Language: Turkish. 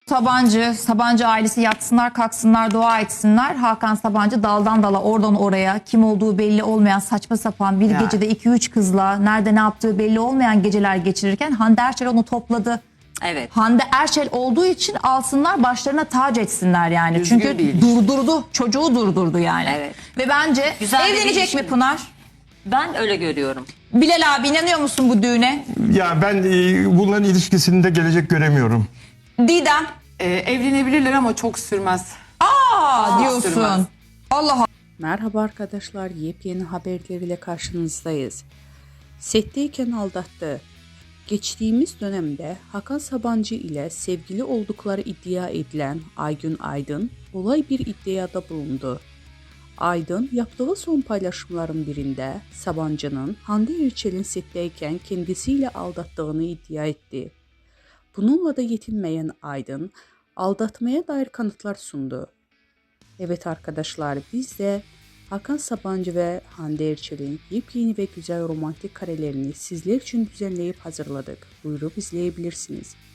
Sabancı ailesi yatsınlar, kalksınlar, dua etsinler. Hakan Sabancı daldan dala, oradan oraya, kim olduğu belli olmayan saçma sapan bir gecede 2-3 kızla nerede ne yaptığı belli olmayan geceler geçirirken Hande Erçel onu topladı. Evet. Hande Erçel olduğu için alsınlar, başlarına tac etsinler yani. Düzgün Çünkü bir ilişki. durdurdu, çocuğu durdurdu yani. Evet. Ve bence Güzel bir evlenecek ilişki. mi Pınar? Ben öyle görüyorum. Bilal abi, inanıyor musun bu düğüne? Ya ben bunların ilişkisinde gelecek göremiyorum. Didem. Evlenebilirler ama çok sürmez. Diyorsun. sürmez. Allah Merhaba arkadaşlar, yepyeni haberleriyle karşınızdayız. Setteyken aldattı. Geçtiğimiz dönemde Hakan Sabancı ile sevgili oldukları iddia edilen Aygün Aydın olay bir iddiada bulundu. Aydın yaptığı son paylaşımların birinde Sabancı'nın Hande Erçel'in setteyken kendisiyle aldattığını iddia etti. Bununla da yetinmeyen Aydın aldatmaya dair kanıtlar sundu. Evet arkadaşlar, biz de Hakan Sabancı ve Hande Erçel'in yepyeni ve güzel romantik karelerini sizler için düzenleyip hazırladık. Buyurup izleyebilirsiniz.